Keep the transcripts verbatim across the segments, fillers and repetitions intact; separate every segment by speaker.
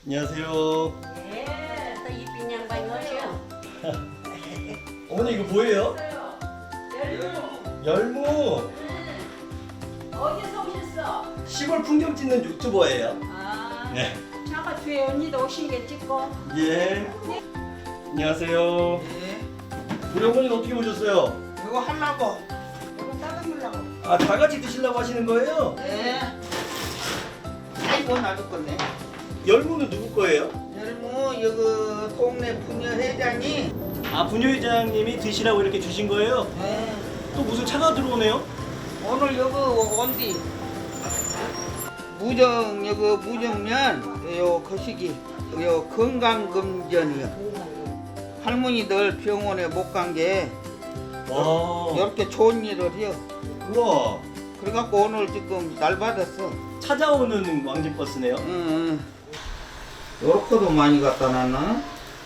Speaker 1: 안녕하세요.
Speaker 2: 예, 또 이쁜 양반이 오죠.
Speaker 1: 어머니 이거 뭐예요?
Speaker 2: 열무.
Speaker 1: 열무.
Speaker 2: 어디서 오셨어?
Speaker 1: 시골 풍경 찍는 유튜버예요.
Speaker 2: 아,
Speaker 1: 네.
Speaker 2: 아까 뒤에 언니도 오신 게 찍고.
Speaker 1: 예. 안녕하세요.
Speaker 3: 네.
Speaker 1: 우리 어머니는 어떻게 오셨어요?
Speaker 3: 이거 하려고.
Speaker 2: 이거 따뜻하려고.
Speaker 1: 아, 다 같이 드시려고 하시는 거예요?
Speaker 3: 네. 아이고 나도 건네.
Speaker 1: 열무는 누구 거예요?
Speaker 3: 열무 여기 동네 부녀 회장이.
Speaker 1: 아, 부녀회장님이 드시라고 이렇게 주신 거예요?
Speaker 3: 네.
Speaker 1: 또 무슨 차가 들어오네요?
Speaker 3: 오늘 여기 온디. 무정 여기 무정면 요 거시기 요 건강검전이요. 할머니들 병원에 못 간 게
Speaker 1: 와.
Speaker 3: 이렇게 좋은 일을 해요.
Speaker 1: 우와.
Speaker 3: 그래갖고 오늘 지금 날 받았어.
Speaker 1: 찾아오는 왕집버스네요.
Speaker 3: 응. 요렇게도 많이 갖다 놨나?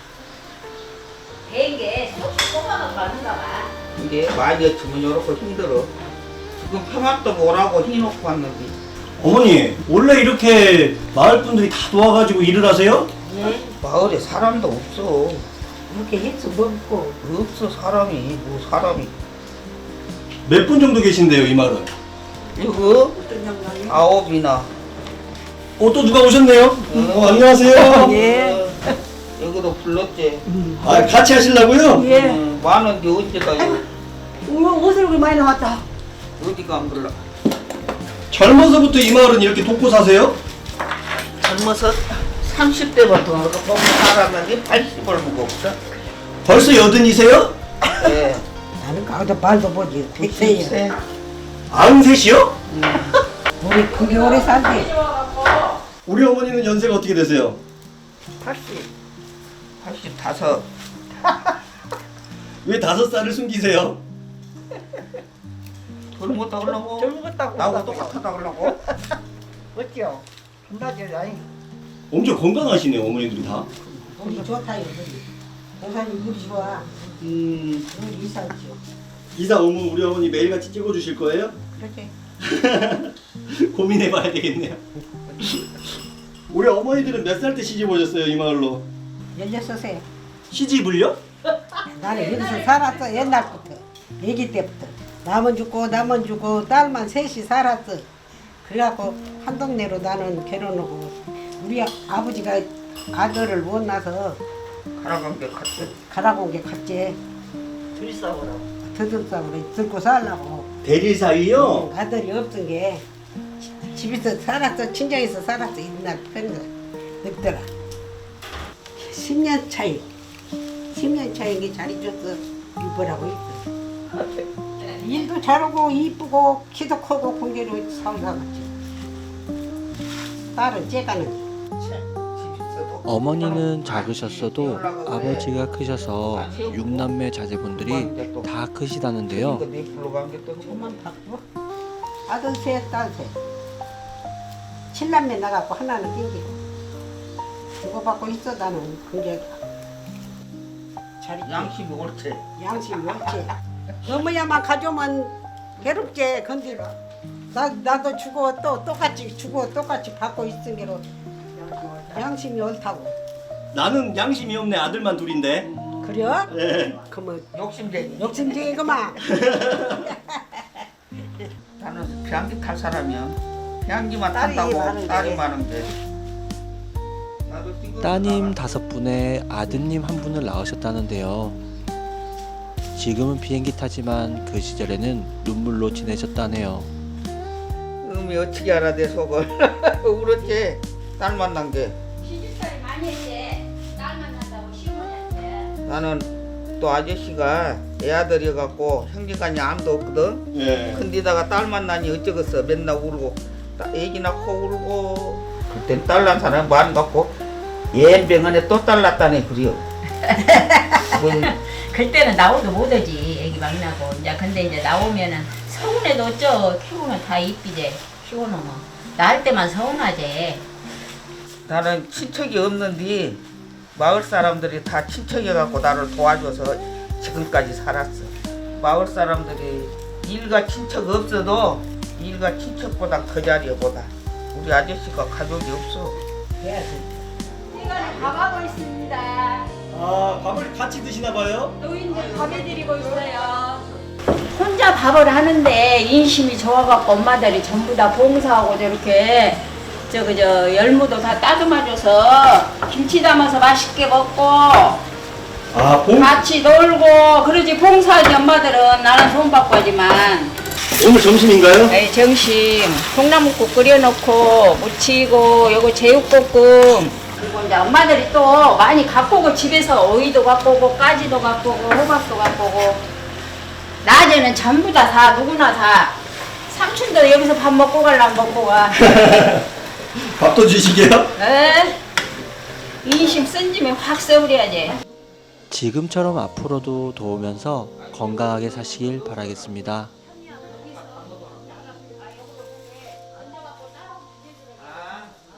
Speaker 2: 된게 쏙쏙 뽑아서 가는가 봐.
Speaker 3: 이게 많이 했으면 요렇게 힘들어. 지금 평안도 오라고 해놓고 왔는데.
Speaker 1: 어머니, 원래 이렇게 마을 분들이 다 도와가지고 일을 하세요?
Speaker 2: 네.
Speaker 3: 마을에 사람도 없어.
Speaker 2: 이렇게 해서 먹고.
Speaker 3: 없어 사람이. 뭐 사람이.
Speaker 1: 몇 분 정도 계신데요, 이 마을은?
Speaker 3: 이거
Speaker 2: 어떤 양반이?
Speaker 3: 아홉이나.
Speaker 1: 어, 또 누가 오셨네요?
Speaker 3: 응.
Speaker 1: 어, 안녕하세요.
Speaker 2: 예.
Speaker 3: 어, 여기도 불렀지.
Speaker 1: 아, 같이 하시려고요?
Speaker 2: 예.
Speaker 3: 응, 많은데 언제가 요
Speaker 2: 어머, 옷을 그렇게 많이 나왔다.
Speaker 3: 어디가 안 불러.
Speaker 1: 젊어서부터 이 마을은 이렇게 돕고 사세요?
Speaker 3: 젊어서 삼십 대부터 보면 살았는데 팔십을 먹고 없어.
Speaker 1: 벌써 여든이세요?
Speaker 3: 예.
Speaker 4: 나는 가도 말도 보지. 백세요.
Speaker 3: 백세.
Speaker 1: 아흔셋이요?
Speaker 4: 우리 그게 오래 살지.
Speaker 1: 우리 어머니는 연세가 어떻게 되세요?
Speaker 3: 팔십. 팔십다섯.
Speaker 1: 왜 다섯 살을 숨기세요?
Speaker 3: 젊었다 그러려고.
Speaker 4: 젊었다고.
Speaker 3: 나하고 똑같다 그러려고.
Speaker 4: 어찌요? 존나지 아니.
Speaker 1: 엄청 건강하시네요, 어머니들이 다.
Speaker 4: 우리 좋다요. 우리. 동산이 우리 좋아.
Speaker 3: 음.
Speaker 4: 우리 이사지요.
Speaker 1: 이사 오면 우리 어머니 매일같이 찍어주실 거예요?
Speaker 4: 그렇게.
Speaker 1: 고민해봐야 되겠네요. 우리 어머니들은 몇 살 때 시집 오셨어요, 이 마을로?
Speaker 4: 열여섯 세.
Speaker 1: 시집을요?
Speaker 4: 나는 여기서 살았어 옛날부터. 아기 때부터. 남은 죽고 남은 죽고 딸만 셋이 살았어. 그래갖고 한 동네로 나는 결혼하고 우리 아버지가 아들을 못 낳아서
Speaker 3: 가라간 게 같아.
Speaker 4: 가라고 온 게 갔지.
Speaker 3: 둘이 싸우라고.
Speaker 4: 더듬싸고 들고 살라고.
Speaker 1: 대릴 사위요?
Speaker 4: 아들이 없은 게 집에서 살았어. 친정에서 살았어. 옛날 편이다. 늙더라. 십 년 차이. 십 년 차이게 잘 잊었어. 이쁘라고 있어. 일도 잘하고 이쁘고 키도 크고 공개로 살아갔지. 딸은 째가는.
Speaker 5: 어머니는 작으셨어도 아버지가 크셔서 육남매 자제분들이 다 크시다는데요.
Speaker 3: 네 불러간 게 또.
Speaker 4: 조만 바꾸고. 아들 셋, 딸 셋. 칠남매 나갖고 하나는 땡기고. 주고받고 있어 나는 그게 잘 있지.
Speaker 3: 양심이 옳지.
Speaker 4: 양심이 없지. 어머야만 가져오면 괴롭지. 근데 나, 나도 주고 또 똑같이 주고 똑같이 받고 있은 게로 양심이 옳다고.
Speaker 1: 나는 양심이 없네, 아들만 둘인데.
Speaker 4: 그래?
Speaker 1: 네.
Speaker 4: 그러면
Speaker 3: 욕심쟁이.
Speaker 4: 욕심쟁이구만.
Speaker 3: 나는 비행기 탈 사람이야. 비행기만
Speaker 4: 딸이
Speaker 3: 탄다고
Speaker 4: 많은데.
Speaker 3: 딸이 많은데. 나도 지금
Speaker 5: 따님
Speaker 3: 나가.
Speaker 5: 다섯 분에 아드님 한 분을 낳으셨다는데요. 지금은 비행기 타지만 그 시절에는 눈물로 지내셨다네요.
Speaker 3: 음이 어떻게 알아 내 속을. 그렇지. 딸 만난 게.
Speaker 2: 시집살이 많이 했지. 딸 만난다고 시어머니한테.
Speaker 3: 나는 또 아저씨가 애아들이갖고 형제간이 아무도 없거든.
Speaker 1: 예.
Speaker 3: 근데다가 딸 만나니 어쩌겠어. 맨날 울고 따- 애기 낳고 울고. 그땐 딸 난 사람 많이 갖고 예병원에 또 딸 낳다네 그래요. 뭔
Speaker 2: 그때는 나오도 못하지. 애기 막 나고. 이제 근데 이제 나오면은 서운해도 어쩌. 키우면 다 이쁘지. 키워놓으면. 낳을 때만 서운하지.
Speaker 3: 나는 친척이 없는데 마을 사람들이 다 친척이갖고 나를 도와줘서 지금까지 살았어. 마을 사람들이 일가 친척 없어도 일가 친척보다 그 자리에 보다 우리 아저씨가 가족이 없어.
Speaker 4: 해야지.
Speaker 2: 시간에 밥하고 있습니다.
Speaker 1: 아, 밥을 같이 드시나 봐요?
Speaker 2: 노인들 밥 해드리고 있어요. 혼자 밥을 하는데 인심이 좋아갖고 엄마들이 전부 다 봉사하고 저렇게 저거 저 열무도 다 따듬어줘서 김치 담아서 맛있게 먹고
Speaker 1: 아, 봉
Speaker 2: 같이 놀고 그러지. 봉사하지 엄마들은. 나는 돈 받고 하지만.
Speaker 1: 오늘 점심인가요?
Speaker 2: 에이, 점심 콩나물국 끓여놓고 무치고 요거 제육볶음. 그리고 이제 엄마들이 또 많이 갖고 오고 집에서 오이도 갖고 오고 까지도 갖고 오고 호박도 갖고 오고 낮에는 전부 다 다 누구나 다 삼촌도 여기서 밥 먹고 가려면 먹고 가.
Speaker 1: 밥도 주시게요?
Speaker 2: 에? 인심 쓴 짐에 확 써버려야지.
Speaker 5: 지금처럼 앞으로도 도우면서 건강하게 사시길 바라겠습니다.